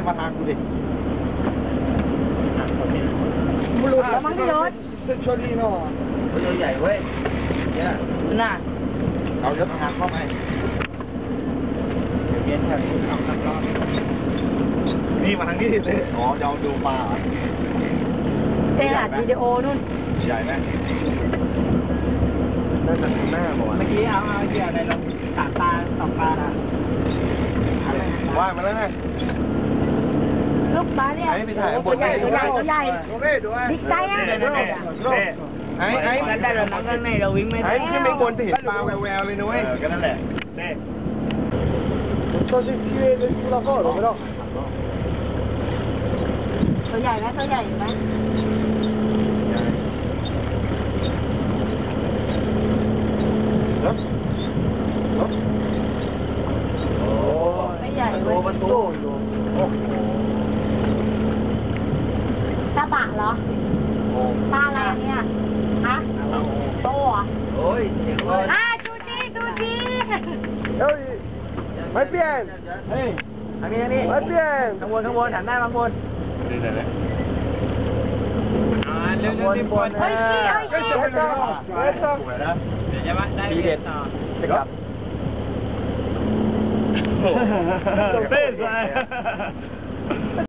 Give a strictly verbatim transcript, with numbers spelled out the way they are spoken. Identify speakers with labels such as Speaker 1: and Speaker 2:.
Speaker 1: มาทางกูดิ
Speaker 2: บุรุษแล้วมั้งพี่ยศ
Speaker 1: เส้นชนนี่เนาะตัวใหญ่เว้ยเนี่ย
Speaker 2: น่ะ
Speaker 1: เอายศทางเข้าไปเย็นแค่นี้ทำทำรอบนี่มาทางนี้สิอ๋อจะเอาดูปลา
Speaker 2: เจอัดวิดีโอนู่น
Speaker 1: ใหญ่ไหมน่าจะถึงหน้าบอก
Speaker 2: เมื่อกี้เอาเอาเหยื่อในลงสามปลาสองปลาละ
Speaker 1: ว่ายมาแล้วไง
Speaker 2: ลูกปลาเนี่ยตัวใหญ่ตัวใหญ่ตัวใหญ่บิ๊กไซส์อ่ะ
Speaker 1: ไอ้ไอ้
Speaker 2: แล้วแต่เรานั่งข้างในเราวิ่งไม่ได้
Speaker 1: ไอ้ที่ไม่ควรจะเห็นปลาแววๆเลยนุ้ยก็นั่นแหละเน่ตัวที่ที่เรื่องเราก็ตัวไม่ต้อง
Speaker 2: ตัวใหญ่ไหมตัวใหญ่ไหมไม่ใหญ่เลย
Speaker 1: ประตู
Speaker 2: ตาบะเหรอปลาอะไรเนี่ยฮะโตอ่ะ
Speaker 1: โอ้ยเจ๋งเลย
Speaker 2: อ่ะดูดีดูดี
Speaker 1: เฮ้ยไม่เปลี่ยนเฮ้ยอันนี้อันนี้ไม่เปลี่ยนข้างบนข้างบนหันหน้าข้างบนนี่ไหนเลยอ่าเรื่องที่บน
Speaker 2: เฮ้ยขี้เฮ้ยขี้
Speaker 1: เฮ้ยต้องเฮ้ยต้องเดี๋ยวจะมาได้เด็ดต่อจะกลับเต้นเลย